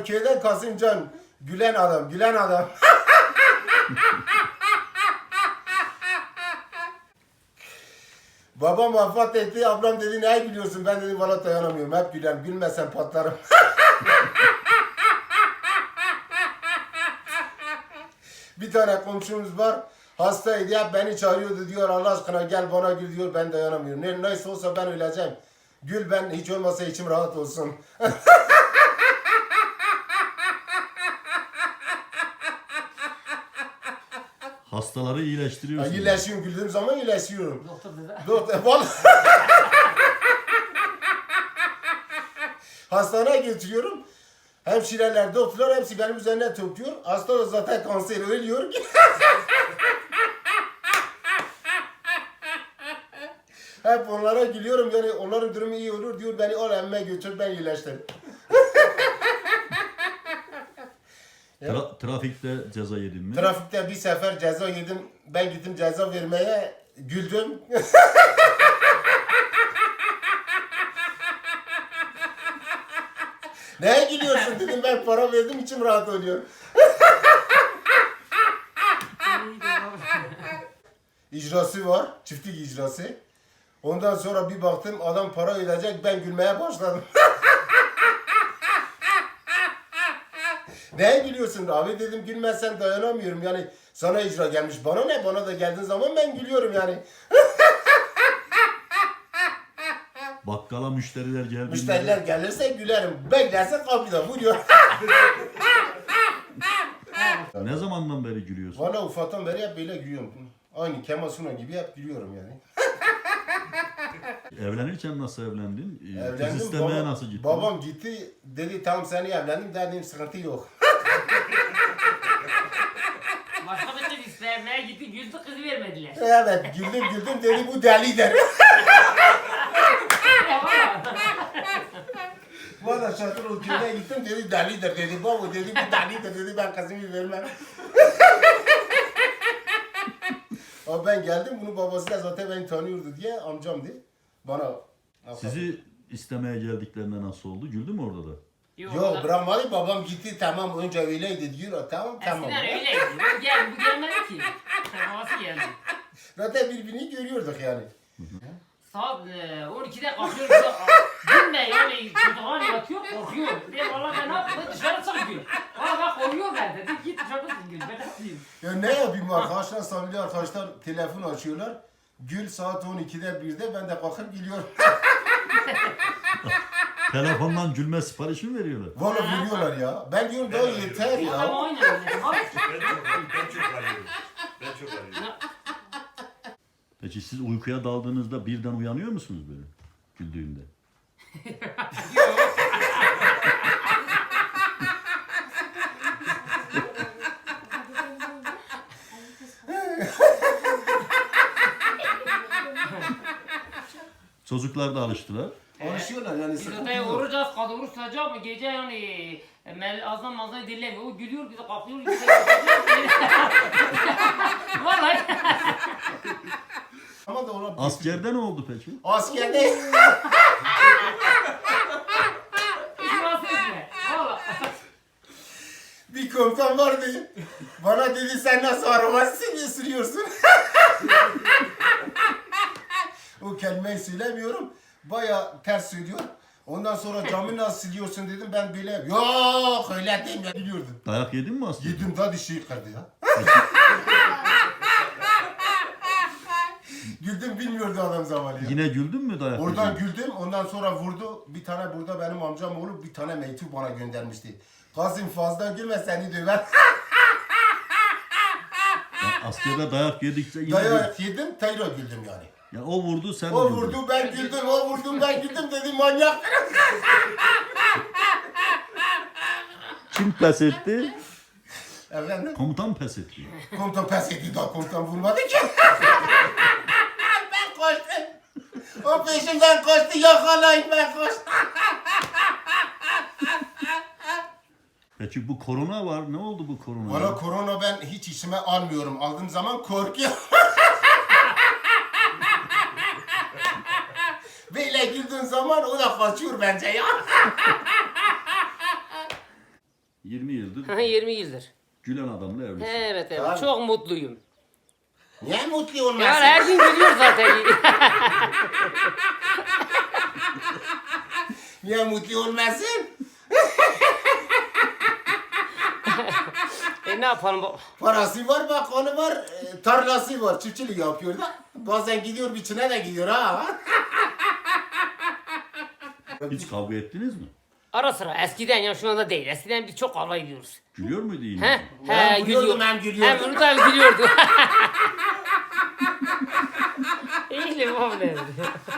köyden Kasımcan. Gülen adam, gülen adam. Babam vefat etti, ablam dedi ne gülüyorsun? Ben dedim valla dayanamıyorum, hep gülen, gülmezsen patlarım. Bir tane komşumuz var, hastaydı, hep beni çağırıyordu, diyor Allah aşkına gel bana gül, diyor, ben dayanamıyorum. Neyse olsa ben öleceğim. Gül, ben hiç olmasa içim rahat olsun. Hastaları iyileştiriyorsun. İyileşiyorum, güldüğüm zaman iyileşiyorum. Doktor dedi. Vallahi. Hastaneye götürüyorum. Hemşireler, doktorlar hepsi benim üzerine topluyor. Hasta da zaten kanser ölüyor. Hep onlara gülüyorum, yani onların durumu iyi olur diyor, beni al emme götür, ben iyileştim. Trafikte ceza yedin mi? Trafikte bir sefer ceza yedim, ben gittim ceza vermeye, güldüm. Neye gülüyorsun dedim, ben para verdim, içim rahat oluyor. İcrası var, çiftlik icrası. Ondan sonra bir baktım adam para ödeyecek, ben gülmeye başladım. Neye gülüyorsun abi dedim, gülmezsen dayanamıyorum yani, sana icra gelmiş, bana ne, bana da geldiğin zaman ben gülüyorum yani. Bakkala müşteriler geldiğinde... Müşteriler gelirse gülerim, beklerse kapıda vuruyor. Ne zamandan beri gülüyorsun? Valla ufaktan beri hep böyle gülüyorum. Aynı Kemal Sunal gibi hep gülüyorum yani. Evlenirken nasıl evlendin? Kız Evlendim, istemeye nasıl gittin? babam gitti, dedi tamam seni evlendim, dedim sıkıntı yok. Başka bir kız istemeye gitti, güldü, kızı vermediler. Evet, güldüm, dedi bu delidir. Valla şartır o köyüne gittim, dedi delidir, dedi baba, dedi bu delidir, dedi ben kızımı vermem. Ama ben geldim, bunun babası da zaten beni tanıyordu diye, amcamdı. Bana... Sizi istemeye geldiklerinde nasıl oldu? Güldü mü orada da? Yok bırakmadı, babam gitti, tamam önce öyleydi diyor, tamam. Eskiden öyleydi. Bu gelmedi ki. Babası geldi. Zaten birbirini görüyorduk yani. Saat 12'de kalkıyoruz. Gülme yani çocuklar yatıyor, korkuyor. Diye valla ben ne yapayım? Dışarı çık diyor. Valla bak korkuyor ben dedi. Git dışarıda gül. Ben ne yapayım? Ya ne yapayım arkadaşlar, samimi arkadaşlar telefon açıyorlar. Gül saat 12'de 1'de ben de kalkıp gülüyorum. Telefondan gülme siparişi mi veriyorlar? Valla biliyorlar ya. Ben diyorum daha yeter Adam ya. oynuyor. Ben çok arıyorum. Ben çok arıyorum. Peki siz uykuya daldığınızda birden uyanıyor musunuz böyle? Güldüğünde. Çocuklar da alıştılar. Alışıyorlar yani, Biz sıkıntı odaya yok. vuracağız, kadın oruç tutacak mı? Gece yani azdan mazdan dinlemiyor. O gülüyor, bize kalkıyor, bize Vallahi. Ama da ona Askerde ne oldu peki? askerde Hiç bahsetme. Valla. bir komutan vardı. Bana dedi sen nasıl araba sürüyorsun? O kelimeyi söylemiyorum. Baya ters söylüyor. Ondan sonra camı nasıl siliyorsun dedim, ben böyle yok öyle değil ya, biliyordum. Dayak yedin mi askerde? Yedim da dişi kırdı ya. Güldüm, bilmiyordu adam zamanı ya. Yine güldün mü dayak Oradan yedin? güldüm, ondan sonra vurdu. Bir tane burada benim amcam oğlu bir tane mektup bana göndermişti. Kazım fazla gülme seni döver. Yani askerde dayak yedikçe yine Dayak yedim, tekrar güldüm yani. Ya o vurdu sen O güldün. vurdu ben güldüm, o vurdu ben güldüm, dedi manyak. Kim pes etti? Efendim? Komutan pes etti. Komutan pes etti, daha komutan vurmadı ki. Ben koştum. O peşimden koştu, yakalayın, ben koştum. Peki bu korona var. Ne oldu bu korona? Valla korona ben hiç işime almıyorum. Aldığım zaman korkuyorum. Böyle güldüğün zaman o da kaçıyor bence ya. 20 yıldır 20 yıldır. gülen adamla evlisin. Evet evet. Abi. Çok mutluyum. Niye mutlu Yani olmasın? her gün gülüyor zaten. Niye mutlu olmasın? Ne yapalım? Parası var, bakanı var, tarlası var, çiftçilik yapıyor da. Bazen gidiyor, biçine de gidiyor ha. Hiç kavga ettiniz mi? Ara sıra eskiden ya şu anda değil. Eskiden biz çok kavga ediyoruz. Gülüyor muydu yine? He? Hem He gülüyordum, gülüyor. hem gülüyordum. Hem bunu da gülüyordu. İyi mi bu ne?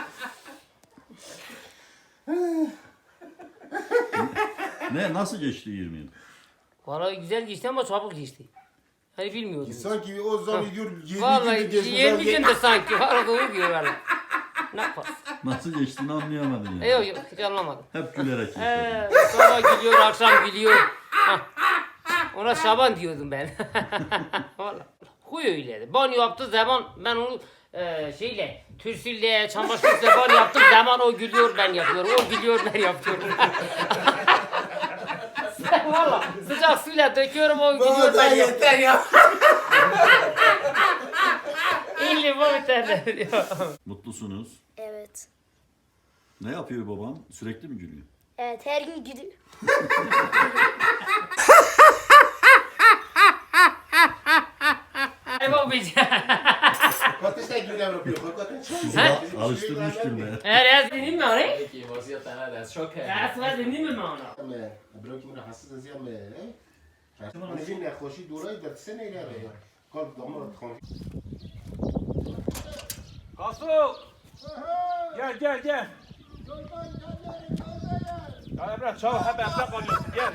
Ne? Nasıl geçti 20 yıl? Vallahi güzel geçti ama çabuk geçti. Hani bilmiyordum. Sanki o zaman diyor 20 Vallahi günde geçmiş. 20 günde sanki. Vallahi doğru diyor valla. Ne yaparsın? Nasıl geçtiğini anlayamadın yani. Yok yok hiç anlamadım. Hep gülerek geçti. Sabah gülüyor, akşam gülüyor. Hah. Ona Şaban diyordum ben. Vallahi. Huy öyleydi. Banyo yaptığı zaman ben onu şeyle, türsülle, çamaşırla banyo yaptığım zaman o gülüyor ben yapıyorum. O gülüyor ben yapıyorum. Valla sıcak suyla döküyorum o gülüyor Baba da ben yapıyorum. yeter ya. İyi bu biterler. Mutlusunuz. Evet. Ne yapıyor baban? Sürekli mi gülüyor? Evet her gün gidiyor. Ay babayacağım. Ateşte gül yapıyor. Sizi alıştırmış gülmeye. Eğer dinleyeyim mi orayı? Peki, vaziyet ana da çok Eğer dinleyeyim mi onu? برو که من حساس از یم من بین نخوشی دورای در سه نیره رو قلب دامار خون Kasu! Gel gel gel. Ya Emre çabuk hep Emre kalıyorsun gel.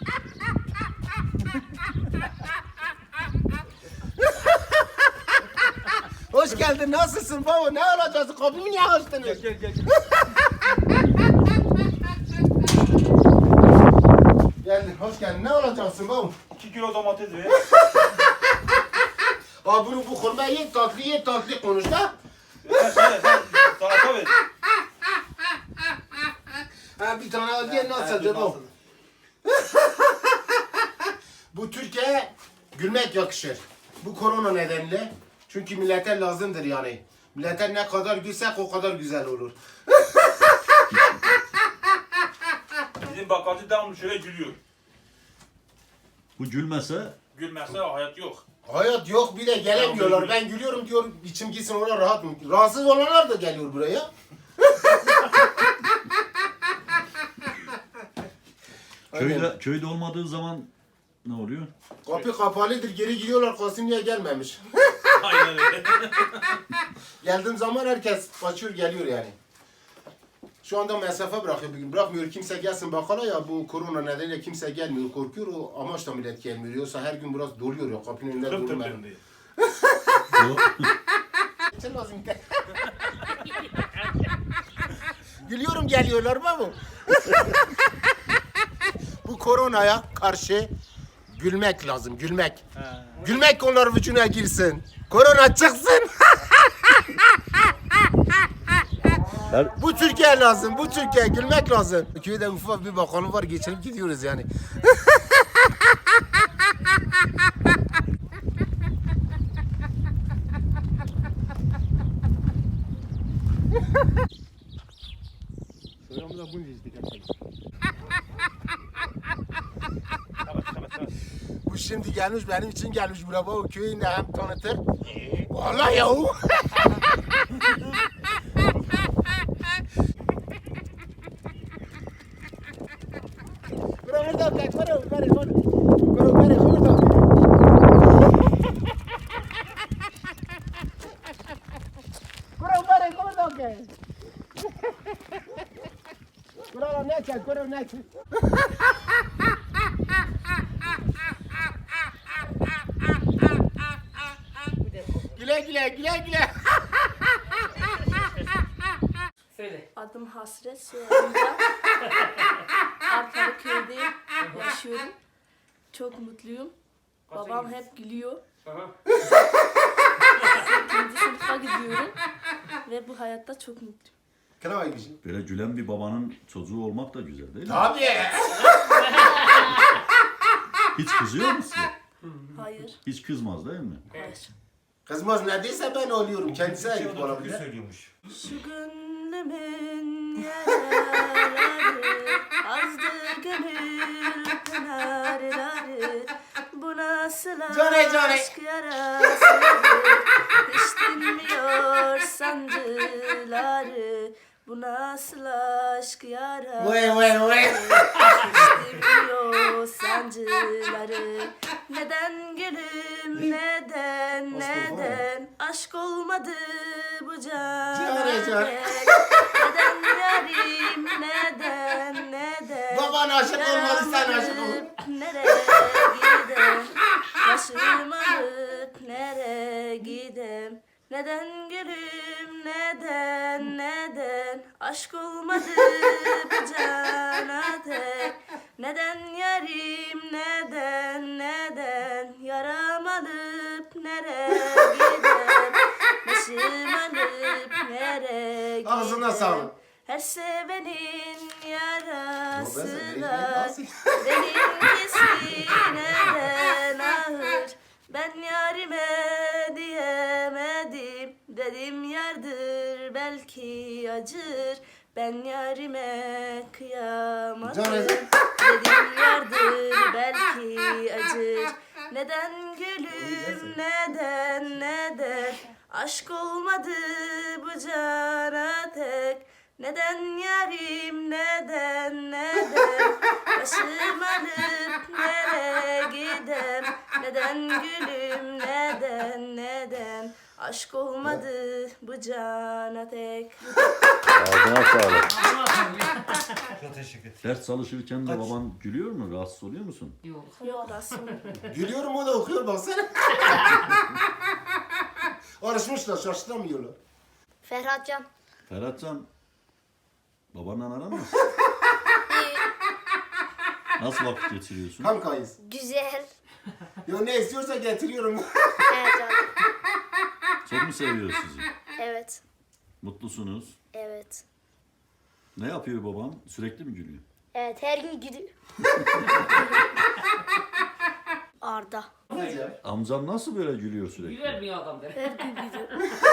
Hoş geldin, nasılsın baba? Ne olacaksın? Kapımı niye açtınız? Gel gel gel. Geldin, hoş geldin. Ne olacaksın baba? 2 kilo domates ver. Abi bunu bu kurma ye tatlı konuş da. Sen salata ver. Ha bir tane al diye nasıl baba? Bu Türkiye'ye gülmek yakışır. Bu korona nedeniyle. Çünkü millete lazımdır yani. Millete ne kadar gülsek o kadar güzel olur. Bizim bakkalcı devamlı şöyle gülüyor. Bu gülmese Gülmezse hayat yok. Hayat yok bir de gelemiyorlar. Ben gülüyorum diyor içim gitsin ona rahat mı? Rahatsız olanlar da geliyor buraya. köyde olmadığı zaman ne oluyor? Kapı kapalıdır geri gidiyorlar Kasım niye gelmemiş. Aynen öyle. Geldiğim zaman herkes kaçıyor geliyor yani. Şu anda mesafe bırakıyor bugün. Bırakmıyor kimse gelsin bakkala ya bu korona nedeniyle kimse gelmiyor korkuyor o amaçla millet gelmiyor. Yoksa her gün biraz doluyor ya kapının önünde Tım tım durmuyor. tım diye. Sen lazım. Gülüyorum geliyorlar baba. Bu koronaya karşı gülmek lazım gülmek. Gülmek onlar vücuduna girsin. Korona çıksın. Bu Türkiye lazım, bu Türkiye gülmek lazım. Köyde ufak bir bakanı var, geçirip gidiyoruz yani. Bu şimdi gelmiş benim için gelmiş buraya o köyü de hem tanıtır. Vallahi yahu. Kuro burada kaç kuro kuro kuro kuro kuro ne çek kuro ne çek. Güle güle güle güle. Söyle. Adım Hasret Soyadımda. Arpalı köyde yaşıyorum. Çok mutluyum. Babam hep gülüyor. Aha. 8. sınıfa gidiyorum. Ve bu hayatta çok mutluyum. Kına gideceğim. Böyle gülen bir babanın çocuğu olmak da güzel değil mi? Tabii. Hiç kızıyor mu size? Hayır. Hiç kızmaz değil mi? Hayır. Kızmaz neredeyse ben oluyorum. Kendisi Şey, ayıp o da türkü olabilir. söylüyormuş. Şu gönlümün yaraları, azdı gönül pınarları. Bu nasıl Cane, cane. aşk yarasıdır, hiç dinmiyor sancıları. Bu nasıl aşk yarası, Vay vay vay. hiç dinmiyor sancıları. Neden gülüm, neden aşk olmadı bu Cane, cane. cana dek? Neden yarim, neden Baban aşık olmadı, sen aşık ol. alıp nereye gidem? Başım alıp nereye gidem? Neden gülüm, neden aşk olmadı bu cana dek? Neden yarim, neden yaram alıp nereye gidem? Başım alıp nereye gidem? Ağzına sağlık. Her sevenin yarası Yo, ben var, nasıl- benimkisi neden ağır? Ben yarime diyemedim, dedim yardır belki acır. Ben yarime kıyamadım, Canım. dedim yardır belki acır. Neden gülüm, neden aşk olmadı bu cana tek? Neden yarim, neden başım alıp nereye gidem? Neden gülüm, neden aşk olmadı bu cana tek? Ağzına sağlık. Çok teşekkür ederim. Ders çalışırken de baban gülüyor mu? Rahatsız oluyor musun? Yok. Yok aslında. Gülüyorum o da okuyor baksana. Arışmışlar şaşıramıyorlar. Ferhatcan. Ferhatcan, babanla aran nasıl? Nasıl vakit geçiriyorsun? Kankayız. Güzel. Yo ne istiyorsa getiriyorum. Evet abi. Çok mu seviyor sizi? Evet. Mutlusunuz. Evet. Ne yapıyor baban? Sürekli mi gülüyor? Evet her gün gidiyor. Arda. Amcan nasıl böyle gülüyor sürekli? Güler mi adam der. Her gün gidiyor.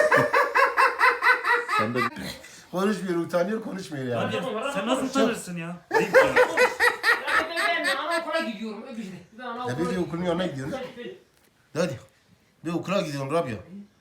Sen de Konuşmuyor, utanıyor, konuşmuyor yani. Sen nasıl utanırsın ya? Ya ben anaokula gidiyorum. Öpüşte. Ben Ya anaokula bir de okulun yanına gidiyorum. Hadi. Bir okula gidiyorum Rabia.